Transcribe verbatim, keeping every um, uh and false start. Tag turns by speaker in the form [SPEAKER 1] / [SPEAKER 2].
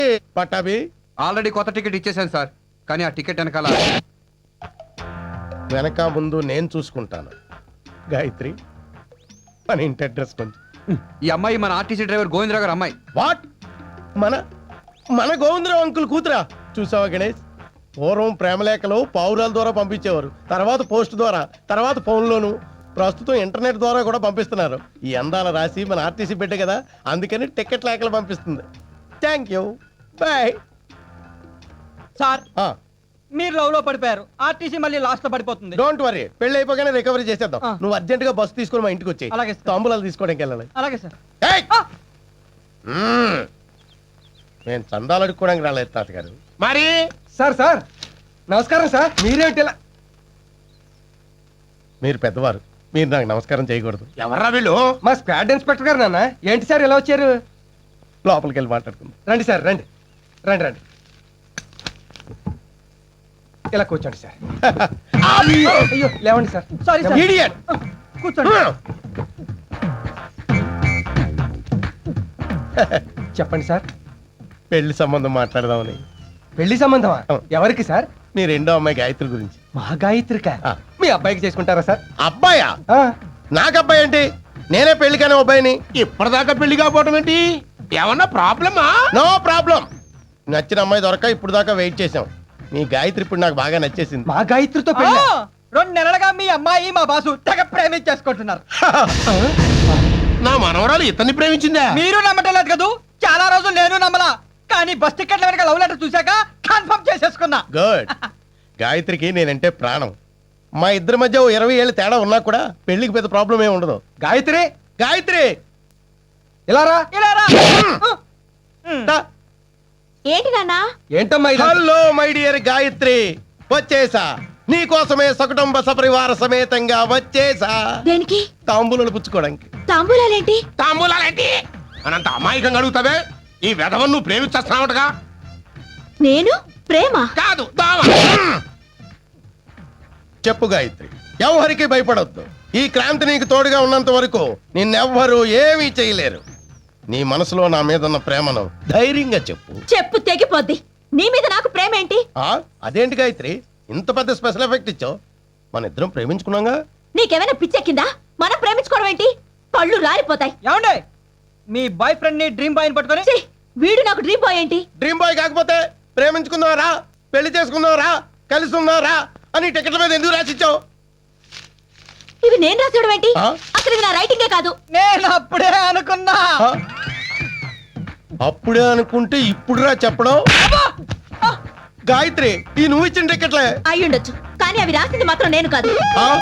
[SPEAKER 1] Pattabhi
[SPEAKER 2] already కొత్త ticket ఇచ్చేసాను sir, కానీ ఆ టికెట్ వెనకాల
[SPEAKER 1] వెనక ముందు నేను చూసుకుంటాను. గాయత్రి మన ఇంటి అడ్రస్ కొంచెం.
[SPEAKER 2] ఈ అమ్మాయి మన ఆర్టీసీ డ్రైవర్ గోవిందరావు గారు అమ్మాయి.
[SPEAKER 1] వాట్? మన మన గోవిందరావు అంకుల్ కూతురా? చూసావా గణేష్, పూర్వం ప్రేమలేఖలు పావురాల ద్వారా పంపించేవారు, తర్వాత పోస్ట్ ద్వారా, తర్వాత ఫోన్లోను, ప్రస్తుతం ఇంటర్నెట్ ద్వారా కూడా పంపిస్తున్నారు. ఈ అందాల రాసి మన ఆర్టీసీ బిడ్డ కదా, అందుకని టికెట్ లేఖలు పంపిస్తుంది. Thank you, bye.
[SPEAKER 3] సార్ మీరు లవ్ లో పడిపోయారు, ఆర్టీసీ మళ్ళీ లాస్ట్ లో పడిపోతుంది.
[SPEAKER 1] డోంట్ వరీ, పెళ్లి అయిపోగానే రికవరీ చేసేద్దాం.
[SPEAKER 3] ఆ.
[SPEAKER 1] నువ్వు అర్జెంట్ గా బస్సు తీసుకొని మా ఇంటికి వచ్చాయి.
[SPEAKER 3] అలాగే సార్.
[SPEAKER 1] తాంబూలాలు తీసుకోవడానికి వెళ్ళాలి.
[SPEAKER 3] అలాగే సార్.
[SPEAKER 1] ఏయ్!
[SPEAKER 3] ఆ!
[SPEAKER 1] మ్మ్. నేను చందాలు అడుక్కోవడానికి రాలేదు తాతగారు.
[SPEAKER 4] మరి
[SPEAKER 5] సార్ సార్ నమస్కారం సార్. మీరేంటి ఇలా?
[SPEAKER 1] మీరు పెద్దవారు, మీరు నాకు నమస్కారం చేయకూడదు.
[SPEAKER 4] ఎవర్రా వీళ్ళు?
[SPEAKER 5] మా స్క్వాడ్ ఇన్స్పెక్టర్ గారు నాన్న. ఏంటి సార్ ఇలా వచ్చారు?
[SPEAKER 1] లోపలికి వెళ్ళి మాట్లాడుకుందాం.
[SPEAKER 5] రండి సార్, రండి రండి రండి. ఇలా కూర్చోండి సార్. అయ్యో అయ్యో, లేవండి సార్.
[SPEAKER 3] Sorry sir.
[SPEAKER 1] Idiot!
[SPEAKER 3] కూర్చోండి.
[SPEAKER 5] చెప్పండి సార్.
[SPEAKER 1] పెళ్లి సంబంధం మాట్లాడదామని.
[SPEAKER 5] పెళ్లి సంబంధమా?
[SPEAKER 1] ఆ.
[SPEAKER 5] ఎవరికి సార్?
[SPEAKER 1] మీ రెండో అమ్మాయి గాయత్రి గురించి.
[SPEAKER 5] మా గాయత్రిక.
[SPEAKER 1] ఆ.
[SPEAKER 5] మీ అబ్బాయికి చేసుకుంటారా సార్?
[SPEAKER 1] అబ్బాయా?
[SPEAKER 5] ఆ.
[SPEAKER 1] నాకు అబ్బాయి ఏంటి? నేనే పెళ్లి కానీ అబ్బాయిని.
[SPEAKER 4] ఇప్పటిదాకా పెళ్లి కాకపోవటం ఏంటి? ఏమన్నా ప్రాబ్లమా?
[SPEAKER 1] No problem. నచ్చిన అమ్మాయి దొరక ఇప్పుడు దాకా వెయిట్ చేసాం. మీ గాయత్రి ఇప్పుడు నాకు బాగా నచ్చేసింది.
[SPEAKER 5] మా గాయత్రితో
[SPEAKER 3] ఆ!
[SPEAKER 5] పెళ్లి?
[SPEAKER 3] రెండు నెలలుగా మీ అమ్మాయి మా బాసు తెగ ప్రేమించేసుకుంటున్నారు.
[SPEAKER 4] నా మనవరాలు ఇతన్ని ప్రేమించిందా?
[SPEAKER 3] మీరు నమ్మటం లేదు కదూ, చాలా రోజులు నేను నమ్మలా, కానీ బస్ టికెట్ల వెనక లవ్ లెటర్ చూశాక కన్ఫర్మ్ చేసేసుకున్నా.
[SPEAKER 1] గుడ్. గాయత్రికి నేనంటే ప్రాణం. మా ఇద్దరి మధ్య ఓ ఇరవై ఏళ్ళు తేడా ఉన్నా కూడా పెళ్లికి పెద్ద ప్రాబ్లం ఏమి ఉండదు.
[SPEAKER 5] గాయత్రి
[SPEAKER 1] గాయత్రి
[SPEAKER 5] ఇలా రా.
[SPEAKER 3] ఇలా రా.
[SPEAKER 1] దా.
[SPEAKER 6] ఏంటి నాన్నా?
[SPEAKER 5] ఏంటమ్మా ఇది?
[SPEAKER 1] హలో మై డియర్ గాయత్రి, వచ్చేసా. నీకోసమే సకుటుంబ సపరివార సమేతంగా వచ్చేసా.
[SPEAKER 6] దేనికి?
[SPEAKER 1] తాంబూలాలు పుచ్చుకోవడానికి.
[SPEAKER 6] తాంబూలాలేంటి?
[SPEAKER 4] తాంబూలాలేంటి అనంత అమాయకంగా అడుగుతావే? ఈ వెధవను నువ్వు ప్రేమించేస్తున్నావుగా?
[SPEAKER 6] నేను ప్రేమ?
[SPEAKER 4] కాదు, దావ.
[SPEAKER 1] చెప్పు గాయత్రి, ఎవరికి భయపడొద్దు. ఈ క్రాంతి నీకు తోడుగా ఉన్నంత వరకు నిన్నెవ్వరూ ఏమీ చేయలేరు. నీ మనసులో నా మీద ఉన్న ప్రేమను ధైర్యంగా చెప్పు.
[SPEAKER 6] చెప్పు తెగిపోద్ది. నీ మీద నాకు ప్రేమ ఏంటి?
[SPEAKER 1] ఆ అదేంటి గాయత్రి, ఇంత పెద్ద స్పెషల్ ఎఫెక్ట్ ఇచ్చావు? మన ఇద్దరం ప్రేమించుకున్నాగా.
[SPEAKER 6] నీకేమైనా పిచ్చెక్కిందా? మనం ప్రేమించుకోవడం ఏంటి? కళ్ళు రాలిపోతాయి.
[SPEAKER 3] ఏమండే, మీ బాయ్ ఫ్రెండ్ ని డ్రీమ్ బాయ్ పట్టుకొని
[SPEAKER 6] ఛీ, వీడు నాకు డ్రీమ్ బాయ్ ఏంటి?
[SPEAKER 1] డ్రీమ్ బాయ్ కాకపోతే ప్రేమించుకుందావరా, పెళ్లి చేసుకుందావరా, కలిసి ఉందావరా అని టికెట్ల మీద ఎందుకు రాసిచ్చావు?
[SPEAKER 6] ఇవి నేను రాసేయడం ఏంటి?
[SPEAKER 1] ఆ?
[SPEAKER 6] అసలు ఇవి నా రైటింగే కాదు.
[SPEAKER 3] నేను అప్పుడే అనుకున్నా.
[SPEAKER 1] ఆ? అప్పుడే అనుకుంటే ఇప్పుడురా చెప్పడం. గాయత్రి, ఈ నువ్వు ఇచ్చిన టికెట్లే.
[SPEAKER 6] అయ్యుండొచ్చు, కానీ అవి రాసింది మాత్రం నేను కాదు.
[SPEAKER 1] ఆ?